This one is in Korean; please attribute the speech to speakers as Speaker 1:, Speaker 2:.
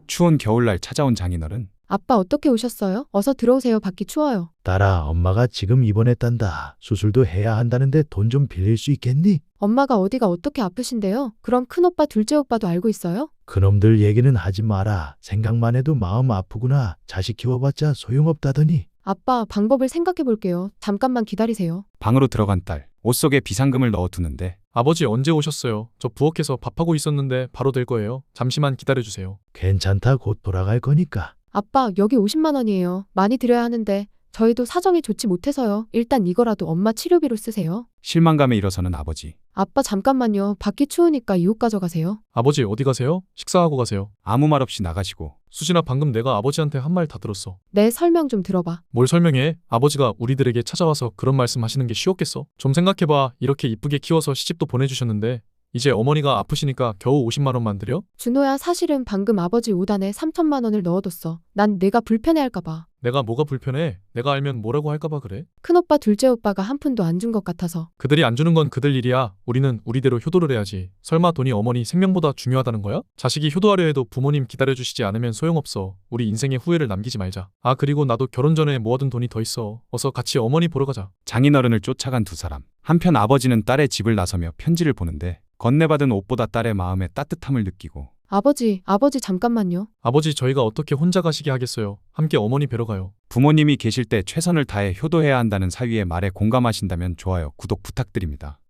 Speaker 1: 추운 겨울날 찾아온 장인어른.
Speaker 2: 아빠 어떻게 오셨어요? 어서 들어오세요. 밖이 추워요.
Speaker 3: 딸아, 엄마가 지금 입원했단다. 수술도 해야 한다는데 돈 좀 빌릴 수 있겠니?
Speaker 2: 엄마가 어디가 어떻게 아프신데요? 그럼 큰오빠, 둘째 오빠도 알고 있어요?
Speaker 3: 그놈들 얘기는 하지 마라. 생각만 해도 마음 아프구나. 자식 키워봤자 소용없다더니.
Speaker 2: 아빠, 방법을 생각해 볼게요. 잠깐만 기다리세요.
Speaker 1: 방으로 들어간 딸. 옷 속에 비상금을 넣어두는데
Speaker 4: 아버지 언제 오셨어요? 저 부엌에서 밥하고 있었는데 바로 될 거예요. 잠시만 기다려주세요.
Speaker 3: 괜찮다. 곧 돌아갈 거니까.
Speaker 2: 아빠, 여기 50만 원이에요. 많이 드려야 하는데 저희도 사정이 좋지 못해서요. 일단 이거라도 엄마 치료비로 쓰세요.
Speaker 1: 실망감에 일어서는 아버지.
Speaker 2: 아빠 잠깐만요. 밖이 추우니까 이 옷 가져가세요.
Speaker 4: 아버지 어디 가세요? 식사하고 가세요.
Speaker 1: 아무 말 없이 나가시고
Speaker 4: 수진아, 방금 내가 아버지한테 한 말 다 들었어.
Speaker 2: 내 설명 좀 들어봐.
Speaker 4: 뭘 설명해? 아버지가 우리들에게 찾아와서 그런 말씀 하시는 게 쉬웠겠어? 좀 생각해봐. 이렇게 이쁘게 키워서 시집도 보내주셨는데 이제 어머니가 아프시니까 겨우 50만 원만 드려?
Speaker 2: 준호야, 사실은 방금 아버지 옷 안에 3천만 원을 넣어뒀어. 난 내가 불편해할까봐.
Speaker 4: 내가 뭐가 불편해? 내가 알면 뭐라고 할까봐 그래?
Speaker 2: 큰오빠, 둘째 오빠가 한 푼도 안 준 것 같아서.
Speaker 4: 그들이 안 주는 건 그들 일이야. 우리는 우리대로 효도를 해야지. 설마 돈이 어머니 생명보다 중요하다는 거야? 자식이 효도하려 해도 부모님 기다려주시지 않으면 소용없어. 우리 인생에 후회를 남기지 말자. 아, 그리고 나도 결혼 전에 모아둔 돈이 더 있어. 어서 같이 어머니 보러 가자.
Speaker 1: 장인어른을 쫓아간 두 사람. 한편 아버지는 딸의 집을 나서며 편지를 보는데 건네받은 옷보다 딸의 마음에 따뜻함을 느끼고
Speaker 2: 아버지 잠깐만요.
Speaker 4: 아버지, 저희가 어떻게 혼자 가시게 하겠어요. 함께 어머니 뵈러 가요.
Speaker 1: 부모님이 계실 때 최선을 다해 효도해야 한다는 사위의 말에 공감하신다면 좋아요, 구독 부탁드립니다.